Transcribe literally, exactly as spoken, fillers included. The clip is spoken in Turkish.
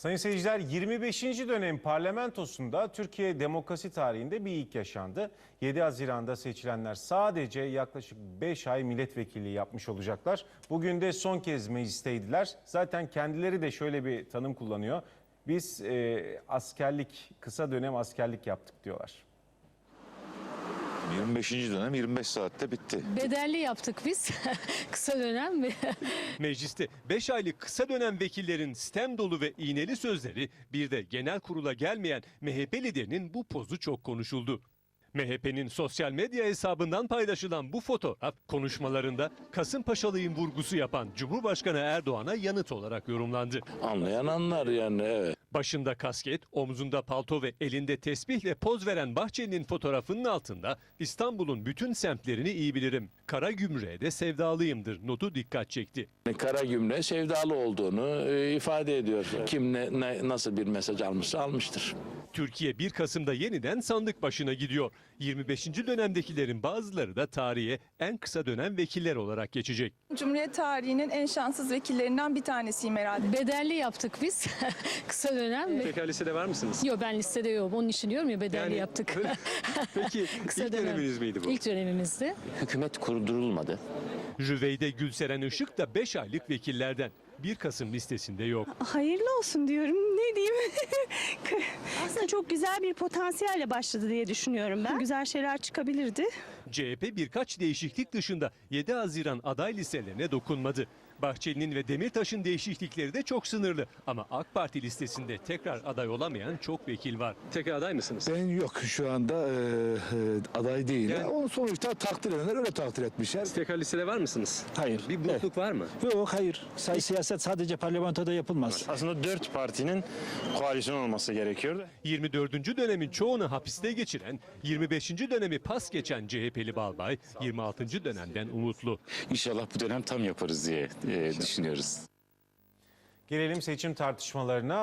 Sayın seyirciler, yirmi beşinci dönem parlamentosunda Türkiye demokrasi tarihinde bir ilk yaşandı. yedi Haziran'da seçilenler sadece yaklaşık beş ay milletvekilliği yapmış olacaklar. Bugün de son kez meclisteydiler. Zaten kendileri de şöyle bir tanım kullanıyor. Biz e, askerlik, kısa dönem askerlik yaptık diyorlar. yirmi beşinci dönem yirmi beş saatte bitti. Bedelli yaptık biz. Kısa dönem mi? Mecliste beş aylık kısa dönem vekillerin sitem dolu ve iğneli sözleri, bir de genel kurula gelmeyen M H P liderinin bu pozu çok konuşuldu. M H P'nin sosyal medya hesabından paylaşılan bu fotoğraf konuşmalarında Kasımpaşalıyım vurgusu yapan Cumhurbaşkanı Erdoğan'a yanıt olarak yorumlandı. Anlayan anlar yani, evet. Başında kasket, omzunda palto ve elinde tesbihle poz veren Bahçeli'nin fotoğrafının altında İstanbul'un bütün semtlerini iyi bilirim, Karagümrük'e de sevdalıyımdır notu dikkat çekti. Karagümrük'e sevdalı olduğunu e, ifade ediyor. Kim ne, ne, nasıl bir mesaj almışsa almıştır. Türkiye bir Kasım'da yeniden sandık başına gidiyor. yirmi beşinci dönemdekilerin bazıları da tarihe en kısa dönem vekiller olarak geçecek. Cumhuriyet tarihinin en şanssız vekillerinden bir tanesiyim herhalde. Bedelli yaptık biz. Kısa dönem. Tekrar listede var mısınız? Yok, ben listede yokum. Onun için diyorum ya, bedelli Yani- yaptık. Peki Kısa ilk dönem. döneminiz miydi bu? İlk dönemimizdi. Hükümet kurdurulmadı. Rüveyde Gülseren Işık da beş aylık vekillerden. bir Kasım listesinde yok. Hayırlı olsun diyorum. Ne diyeyim? Aslında çok güzel bir potansiyelle başladı diye düşünüyorum ben. Güzel şeyler çıkabilirdi. C H P birkaç değişiklik dışında yedi Haziran aday listelerine dokunmadı. Bahçeli'nin ve Demirtaş'ın değişiklikleri de çok sınırlı. Ama AK Parti listesinde tekrar aday olamayan çok vekil var. Tekrar aday mısınız? Ben yok şu anda e, e, aday değil. Yani- Onu sonuçta takdir edenler öyle takdir etmişler. Tekrar listede var mısınız? Hayır. Bir burukluk var mı? Yok hayır. Say siyaset sadece parlamentoda yapılmaz. Aslında dört partinin koalisyon olması gerekiyordu. yirmi dördüncü dönemin çoğunu hapiste geçiren, yirmi beşinci dönemi pas geçen C H P'li Balbay, yirmi altıncı dönemden umutlu. İnşallah bu dönem tam yaparız diye e, düşünüyoruz. Gelelim seçim tartışmalarına.